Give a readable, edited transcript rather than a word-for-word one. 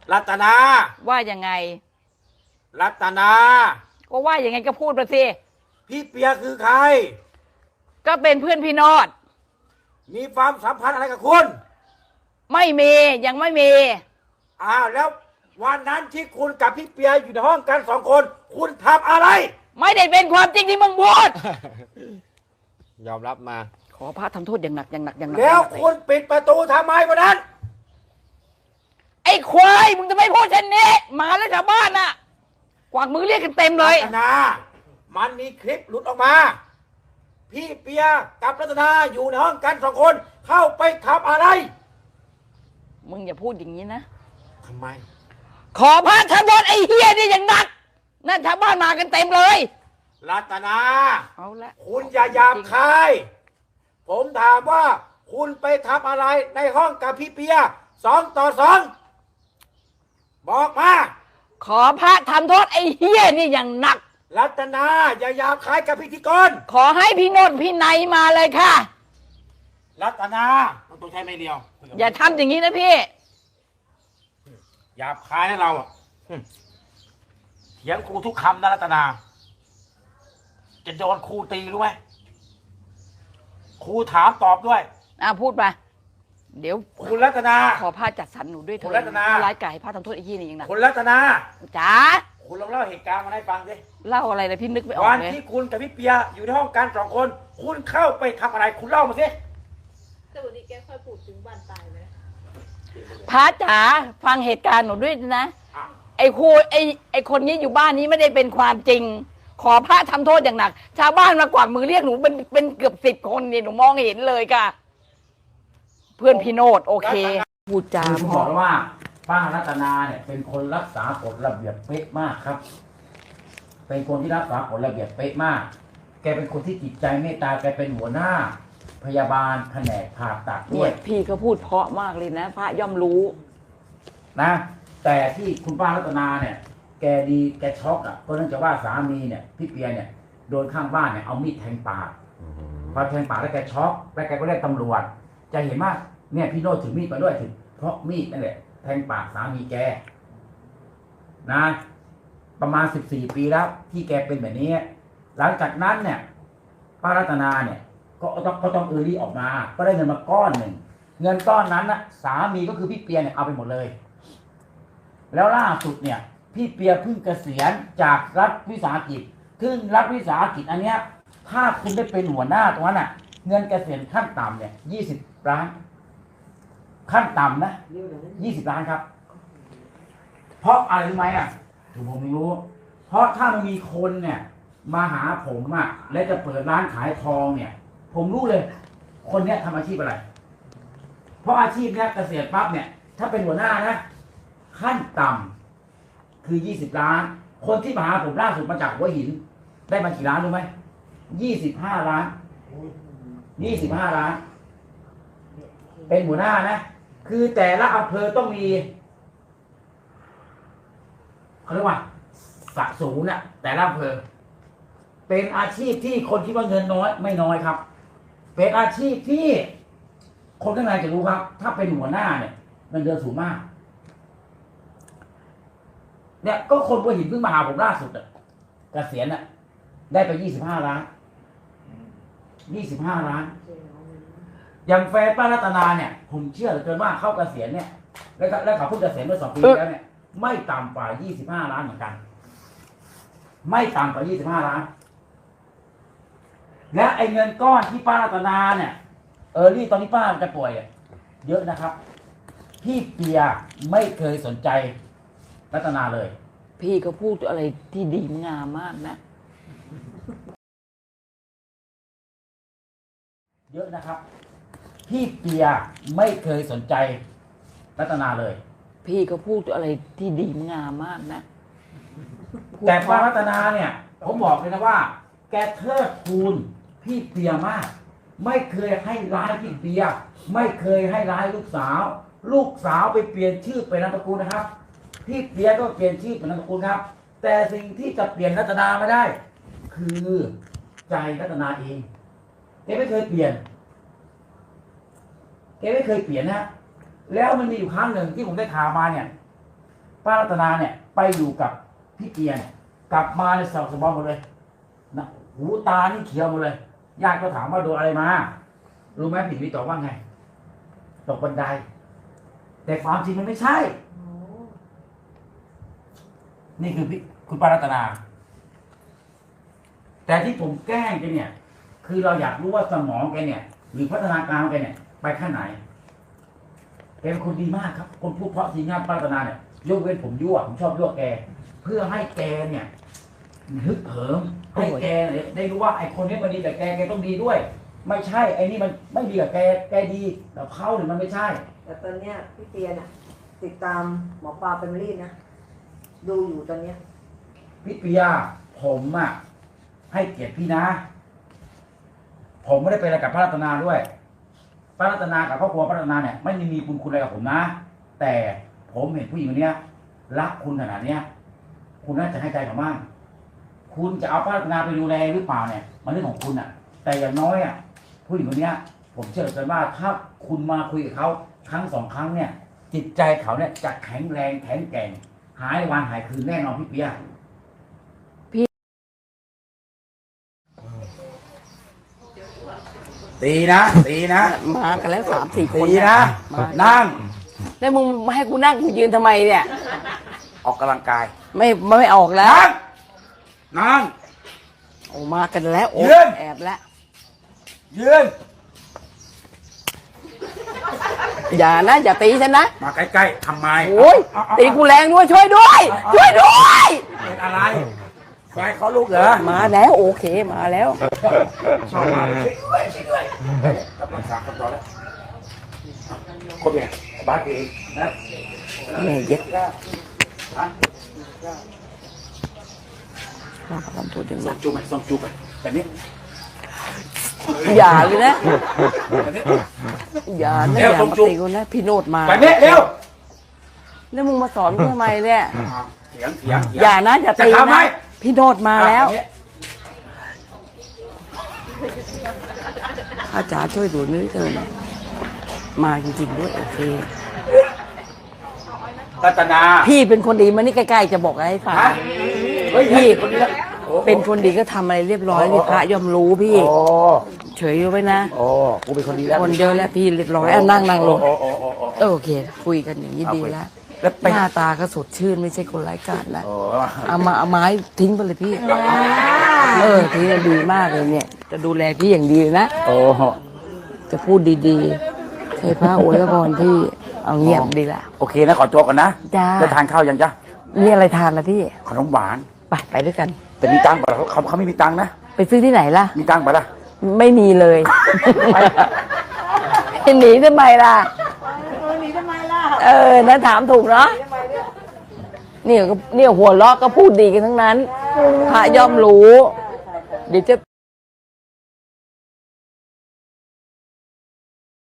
รัตนาว่ายังไงรัตนาก็ว่ายังไงก็พูดมาสิพี่เปียคือใครก็เป็นเพื่อนพี่โนดมีความสัมพันธ์อะไรกับคุณไม่มียังไม่มีแล้ววันนั้นที่คุณกับพี่เปียอยู่ในห้องกัน2 คนคุณทำอะไรไม่ได้เป็นความจริงที่มึงพูดยอมรับมาขอพระทำโทษอย่างหนักอย่างหนักอย่างหนักแล้วคุณปิดประตูทำไมวันนั้นไอ้ควายมึงจะไม่พูดเช่นนี้หมาแล้วชาวบ้านน่ะกวากมือเรียกกันเต็มเลยรัตนามันมีคลิปหลุดออกมาพี่เปียกับรัตนาอยู่ในห้องกัน2 คนเข้าไปทำอะไรมึงอย่าพูดอย่างนี้นะทำไมขอพระทำโทษไอ้เฮียนี่อย่างหนักนั่นชาวบ้านมากันเต็มเลยรัตนาเอาละคุณอย่าหยาบคายผมถามว่าคุณไปทำอะไรในห้องกับพี่เปีย2 ต่อ 2บอกมาขอพระทำโทษไอ้เฮียนี่อย่างหนักรัตนาอย่าหยาบคายกับพิธีกรขอให้พี่โนนพี่ไนมาเลยค่ะรัตนาต้องใช้ไม่เดียวอย่าทำอย่างนี้นะพี่หยาบคายให้เราเถียงครูทุกคำนะรัตนาจะโดนครูตีรู้ไหมครูถามตอบด้วยพูดไปเดี๋ยวคุณรัตนาขอพระจัดสรรหนูด้วยเถอะคุณรัตนาร้ายกาจพระทำโทษไอ้ยี่นี่ยังนะคุณรัตนาจ๋าคุณลองเล่าเหตุการณ์มาให้ฟังดิเล่าอะไรนะพี่นึกไม่ออกเลยวันที่คุณกับพี่เปียอยู่ในห้องกัน2 คนคุณเข้าไปทำอะไรคุณเล่ามาสิแต่วันนี้แกค่อยพูดถึงบ้านตายไหมพระจ๋าฟังเหตุการณ์หนูด้วยนะไอ้ครูไอ้คนนี้อยู่บ้านนี้ไม่ได้เป็นความจริงขอพระทำโทษอย่างหนักชาวบ้านมากวาดมือเรียกหนูเป็นเกือบ10 คนนี่หนูมองเห็นเลยค่ะเพื่อนพี่โนดโอเคพูดจาบอกว่าป้ารัตนาเนี่ยเป็นคนรักษากฎระเบียบเป๊ะมากครับเป็นคนที่รักษากฎระเบียบเป๊ะมากแกเป็นคนที่จิตใจเมตตาแกเป็นหัวหน้าพยาบาลแผนกผ่าตัดด้วยพี่ก็พูดเพราะมากเลยนะพระย่อมรู้นะแต่ที่คุณป้ารัตนาเนี่ยแกดีแกช็อกก็เนื่องจากว่าสามีเนี่ยพี่เปียเนี่ยโดนข้างบ้านเนี่ยเอามีดแทงปากพอแทงปากแล้วแกช็อกแล้วแกก็เรียกตำรวจจะเห็นว่าเนี่ยพี่โน้ตถือมีดมาด้วยถึงเพราะมีดนั่นแหละแทงปากสามีแกนะประมาณ14 ปีแล้วที่แกเป็นแบบนี้หลังจากนั้นเนี่ยป้ารัตนาเนี่ยก็ต้องรีออกมาก็ได้เงินมาก้อนหนึ่งเงินก้อนนั้นนะสามีก็คือพี่เปียเนี่ยเอาไปหมดเลยแล้วล่าสุดเนี่ยพี่เปียเพิ่งเกษียณจากรัฐวิสาหกิจซึ่งรัฐวิสาหกิจอันเนี้ยถ้าคุณได้เป็นหัวหน้าตรงนั้นน่ะเงินเกษียณขั้นต่ำเนี่ย20 ล้านขั้นต่ำนะ20 ล้านครับเพราะอะไรรู้ไหมถูกผมไม่รู้เพราะถ้ามันมีคนเนี่ยมาหาผมและจะเปิดร้านขายทองเนี่ยผมรู้เลยคนเนี้ยทำอาชีพอะไรเพราะอาชีพเนี้ยเกษียณปั๊บเนี่ยถ้าเป็นหัวหน้านะขั้นต่ำคือ20 ล้านคนที่มาหาผมล่าสุดมาจากหัวหินได้มากี่ล้านรู้ไหม25 ล้าน25 ล้านเป็นหัวหน้านะคือแต่ละอำเภอต้องมีเขาเรียกว่าสะสูงน่ะแต่ละอำเภอเป็นอาชีพที่คนคิดว่าเงินน้อยไม่น้อยครับเป็นอาชีพที่คนข้างในจะรู้ครับถ้าเป็นหัวหน้าเนี่ยเงินเดือนสูงมากเนี่ยก็คนหัวหินเพิ่งมาหาผมล่าสุดเกษียณได้ไป25 ล้าน25 ล้านอย่างแฟนป้ารัตนาเนี่ยผมเชื่อเหลือเกินว่าเข้าเกษียณเนี่ยแล้วเขาเพิ่งเกษียณเมื่อ2 ปีแล้วเนี่ยไม่ต่ำกว่า25 ล้านเหมือนกันไม่ต่ำกว่า25 ล้านและไอ้เงินก้อนที่ป้ารัตนาเนี่ยนี่ตอนนี้ป้าจะป่วยเยอะนะครับพี่เปียไม่เคยสนใจรัตนาเลยพี่ก็พูดอะไรที่ดีงามมากนะเยอะนะครับพี่เปียไม่เคยสนใจรัตนาเลยพี่ก็พูดอะไรที่ดีงามมากนะแต่ป้ารัตนาเนี่ยผมบอกเลยนะว่าแกเทิดทูนพี่เปียมากไม่เคยให้ร้ายพี่เปียไม่เคยให้ร้ายลูกสาวไปเปลี่ยนชื่อเป็นนามสกุลนะครับพี่เปียก็เปลี่ยนชื่อเป็นนามสกุลครับแต่สิ่งที่จะเปลี่ยนรัตนาไม่ได้คือใจรัตนาเองแกไม่เคยเปลี่ยนนะแล้วมันมีอยู่ครั้งหนึ่งที่ผมได้ข่าวมาเนี่ยป้ารัตนาเนี่ย ไปอยู่กับพี่เปียเนี่ยกลับมาในสอบสมองหมดเลยนะหูตานี่เขียวหมดเลยญาติก็ถามว่าโดนอะไรมารู้ไหมพี่วิตอบว่าไงตกบันได แต่ความจริงมันไม่ใช่ นี่คือคุณป้ารัตนา แต่ที่ผมแกล้งแกเนี่ย คือเราอยากรู้ว่าสมองแกเนี่ย หรือพัฒนาการของแกเนี่ย ไปขั้นไหนแกเป็นคนดีมากครับ คนพูดเพราะทีงานป้ารัตนาเนี่ยยกเว้นผมยั่วผมชอบยั่วแก เพื่อให้แกเนี่ยฮึกเหิมให้แกเนี่ยได้รู้ว่าไอ้คนนี้มันดีแต่แกต้องดีด้วย ไม่ใช่ไอ้นี่มันไม่ดีกับแกดีแต่เขาเนี่ยมันไม่ใช่แต่ตอนเนี้ยพี่เตียนอะติดตามหมอปลาเป็นรีดนะดูอยู่ตอนเนี้ยพี่เปียผมอะให้เกียรติพี่นะ ผมไม่ได้เป็นอะไรกับพระรัตนาด้วยพระรัตนากับครอบครัวพระรัตนาเนี่ยไม่ได้มีบุญคุณอะไรกับผมนะ แต่ผมเห็นผู้หญิงคนเนี้ยรักคุณขนาดเนี้ย คุณน่าจะให้ใจเขาบ้างคุณจะเอาพระรัตนาไปดูแลหรือเปล่าเนี่ยมันเรื่องของคุณอะแต่อย่างน้อยอะผู้หญิงคนเนี้ย ผมเชื่อเลยว่าถ้าคุณมาคุยกับเขาครั้ง2 ครั้งเนี่ย จิตใจเขาเนี่ยจะแข็งแรงแข็งแกร่งหายวันหายคืนแน่นอนพี่เปีย ตีนะตีนะมากันแล้ว3-4 คนตีนะมานั่งแล้วมึงมาให้กูนั่งกูยืนทำไมเนี่ยออกกำลังกายไม่ออกแล้วนั่งนั่งโอ้มากันแล้วโอ้ยืนแอบแล้วยืนอย่านะอย่าตีฉันนะมาใกล้ๆทำไมโอ้ยเอาตีกูแรงด้วยช่วยด้วย ช่วยด้วยเป็นอะไรไฟเขาลุกเหรอมาแล้วโอเคมาแล้วชอบมาช่วยด้วยกำลังสามคนต่อแล้วคนเนี่ยบ้านเองนะแม่เย็ดฮะมาทำตัวอย่างส่นั้งนจูบไปส่งจูบไปแบบนี้อย่าเลยนะแบบนี้อย่านะเร็วอย่าส่งมาจุ๊บตีกูนะพี่โนดมาแบบนี้เร็วแล้วมึงมาสอนกูทำไมเนี่ยเถียงเถียงเถีงอย่านะอย่าตีจะทำไหมนะพี่โนดมาแล้วแบบนี้อาจารย์ช่วยดูนิดเดียวนะมาจริงๆด้วยโอเครัตนาพี่เป็นคนดีมานี่ใกล้ๆจะบอกอะไรให้ฟังฮะเฮ้ยพี่คนนี้ละโอ้เป็นคนดีก็ทำอะไรเรียบร้อยนี่พระย่อมรู้พี่โอ้เฉยไว้นะโอ้กูเป็นคนดีแล้วคนเดียวแล้วพี่เรียบร้อยอ่ะนั่งลงโอ้โอ้โอ้โอ้โอเค คุยกันอย่างนี้ดีแล้วแล้วไปหน้าตาก็สดชื่นไม่ใช่คนไร้กาจแล้วโอ้เอาไม้ทิ้งไปเลยพี่ทิ้งดีมากเลยเนี่ย จะดูแลพี่อย่างดีเลยนะโอ้จะพูดดีๆให้พระอวยพรพี่เอาเงียบดีละโอเคนะขอตัวก่อนนะจ้าจะทานข้าวยังจ๊ะมีอะไรทานละพี่ขนมหวานไปด้วยกันแต่มีตังค์ป่ะเขาไม่มีตังค์นะไปซื้อที่ไหนล่ะมีตังค์ป่ะล่ะไม่มีเลย หนีทำไมล่ะหนีทำไมล่ะนะถามถูกเนาะเนี่ยหัวเราะก็พูดดีกันทั้งนั้น พระย่อมรู้ เดี๋ยวจะ